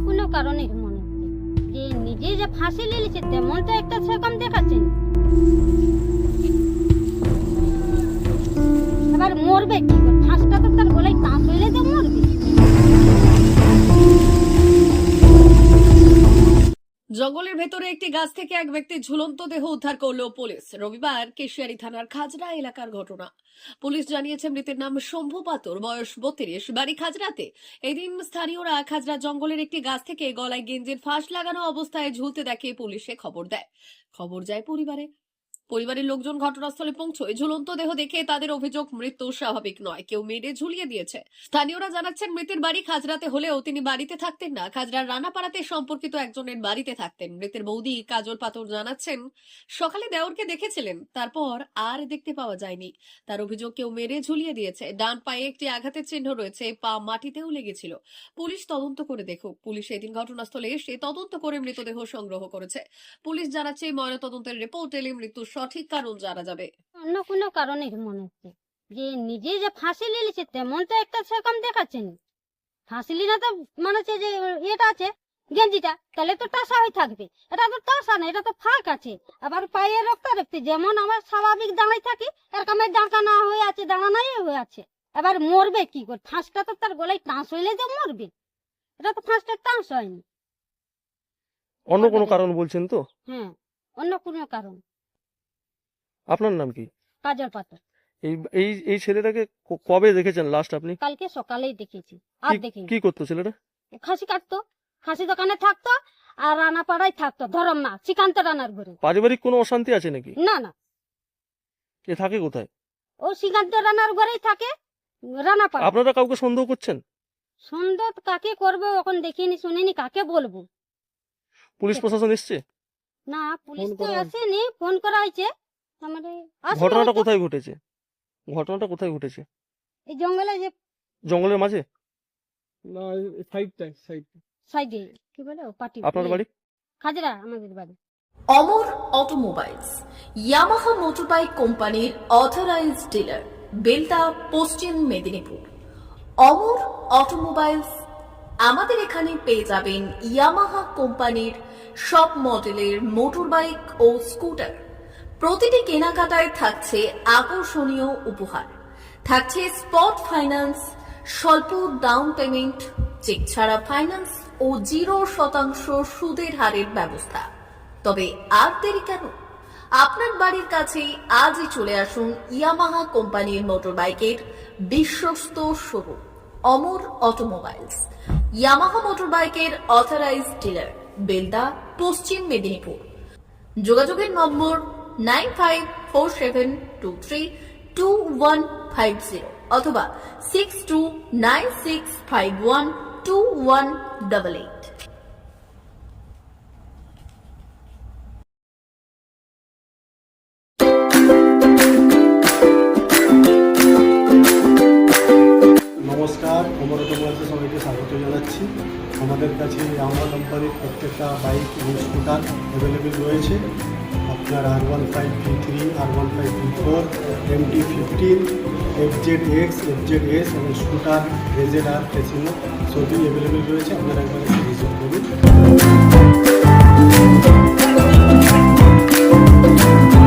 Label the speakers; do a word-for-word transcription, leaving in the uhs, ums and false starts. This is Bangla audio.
Speaker 1: কোনো কারণে মনে হচ্ছে যে নিজে যে ফাঁসি নিয়েছে তেমন তো একটা সেরকম দেখাচ্ছেন। এবার মরবে কি করে? ফাঁসটা তো তার গলায় টাঁস হইলে তো মরবে।
Speaker 2: জঙ্গলের ভেতরে একটি গাছ থেকে এক ব্যক্তির ঝুলন্ত দেহ উদ্ধার করলো পুলিশ। রবিবার কেশিয়ারি থানার খাজরা এলাকার ঘটনা। পুলিশ জানিয়েছে মৃতের নাম শম্ভু পাতর, বয়স বত্রিশ, বাড়ি খাজরাতে। এদিন স্থানীয়রা খাজরা জঙ্গলের একটি গাছ থেকে গলায় গেঞ্জির ফাঁস লাগানো অবস্থায় ঝুলতে দেখে পুলিশে খবর দেয়। খবর যায় পরিবারে। পরিবারের লোকজন ঘটনাস্থলে পৌঁছয়। ঝুলন্ত দেহ দেখে তাদের অভিযোগ মৃত্যু স্বাভাবিক নয়, কেউ মেরে ঝুলিয়ে দিয়েছে। স্থানীয়রা জানাচ্ছেন মৃতের বাড়ি খাজরাতে হলেও তিনি বাড়িতে থাকতেন না, খাজরার রানাপাড়াতে সম্পর্কিত একজনের বাড়িতে থাকতেন। মৃতের বৌদি কাজল পাতর জানাচ্ছেন সকালে দেওরকে দেখেছিলেন, তারপর আর দেখতে পাওয়া যায়নি। তার অভিযোগ কেউ মেরে ঝুলিয়ে দিয়েছে। ডান পায়ে একটি আঘাতের চিহ্ন রয়েছে, পা মাটিতেও লেগেছিল। পুলিশ তদন্ত করে দেখুক। পুলিশ এদিন ঘটনাস্থলে এসে তদন্ত করে মৃতদেহ সংগ্রহ করেছে। পুলিশ জানাচ্ছে ময়নাতদন্তের রিপোর্ট এলে মৃত্যুর সঠিক কারণ জানা যাবে।
Speaker 1: অন্য কোনো কারণে মনে হচ্ছে যে নিজে যে ফাঁসি নিয়েছে তেমন তো একটা সেরকম দেখাচ্ছেন। ফাঁসি নিলে তো মনে হচ্ছে যে এটা আছে গেঞ্জিটা, তাহলে তো টাসা হয়ে থাকবে। এটা তো টাসা না, এটা তো ফাঁক আছে। আবার পায়ে রক্ত রক্তি যেমন আমার স্বাভাবিক দাঁড়াই থাকি এরকমের দাঁড়ানো হয়ে আছে, দাঁড়ানোই হয়ে আছে। এবার মরবে কি করে? ফাঁসটা তো তার গলায় টাঁস হইলে যে মরবে। এটা তো ফাঁসটা টাঁস হয়নি।
Speaker 3: অন্য কোনো কারণ বলছেন তো?
Speaker 1: হ্যাঁ, অন্য কোনো কারণ।
Speaker 3: আপনার নাম কি?
Speaker 1: কাজল পাতর।
Speaker 3: এই এই এই ছেলেটাকে ক- কবে দেখেছেন লাস্ট আপনি?
Speaker 1: কালকে সকালেই দেখেছি, আর
Speaker 3: কি-
Speaker 1: দেখিনি।
Speaker 3: কি করতো ছেলেটা?
Speaker 1: খাসি কাটতো, খাসি দোকানে থাকতো, আর রানাপাড়ায় থাকতো, ধরম না শ্রীকান্ত রানার ঘরে।
Speaker 3: পারিবারিক কোনো অশান্তি আছে নাকি?
Speaker 1: না না,
Speaker 3: এ থাকে কোথায়?
Speaker 1: ও শ্রীকান্ত রানার ঘরেই থাকে, রানাপাড়া।
Speaker 3: আপনারা কাউকে সন্দেহ করছেন?
Speaker 1: সুন্দর কাকে করবো এখন দেখিনি শুনিনি, কাকে বলবো?
Speaker 3: পুলিশ প্রশাসন এসছে?
Speaker 1: না, পুলিশ
Speaker 3: ফোন
Speaker 1: তো
Speaker 3: করা-
Speaker 1: আসেনি, ফোন করা হয়েছে। আমাদের আসবে
Speaker 3: ঘটনাটা
Speaker 1: হয়তো।
Speaker 3: কোথায় ঘটেছে? ঘটনাটা কোথায় ঘটেছে?
Speaker 1: এই জঙ্গলে যে
Speaker 3: জঙ্গলের মাঝে?
Speaker 4: না, সাইডটা সাইড
Speaker 1: সাইডে কি বলে ও পার্টি।
Speaker 3: আপনার বাড়ি?
Speaker 1: খাজরা আমাদের বাড়ি।
Speaker 2: অমর অটোমোবাইলস, ইয়ামাহা মোটরবাইক কোম্পানির অথরাইজড ডিলার, বেলদা, পশ্চিম মেদিনীপুর। অমর অটোমোবাইলস, আমাদের এখানে পেয়ে যাবেন ইয়ামাহা কোম্পানির সব মডেলের মোটরবাইক ও স্কুটার। প্রতিটি কেনাকাটায় থাকছে আকর্ষণীয় উপহার, থাকছে স্পট ফাইন্যান্স, স্বল্প ডাউন পেমেন্ট, চেক ছাড়া ফাইন্যান্স ও জিরো শতাংশ সুদের হারের ব্যবস্থা। তবে আর দেরি কেন? আপনার বাড়ির কাছেই আজই চলে আসুন ইয়ামাহা কোম্পানির মোটরবাইকের বিশ্বস্ত শোরুম অমর অটোমোবাইলস, ইয়ামাহা মোটরবাইকের অথরাইজড ডিলার, বেলদা, পশ্চিম মেদিনীপুর। যোগাযোগের number nine five four seven two three two one five zero অথবা six two nine six five one two one double eight.
Speaker 4: নমস্কার, অমর অটোমোবাইলসে সবাইকে স্বাগত জানাচ্ছি। আমাদের কাছে ইয়ামাহা কোম্পানির প্রত্যেকটা বাইক এবং স্কুটার অ্যাভেলেবেল রয়েছে। আপনার R one five V three, R one five V four, M T fifteen, F Z X, F Z S এবং স্কুটার রেজেড আর ফেসিনো সবই অ্যাভেলেবেল রয়েছে। আপনারা একবার এসে ভিজিট করুন।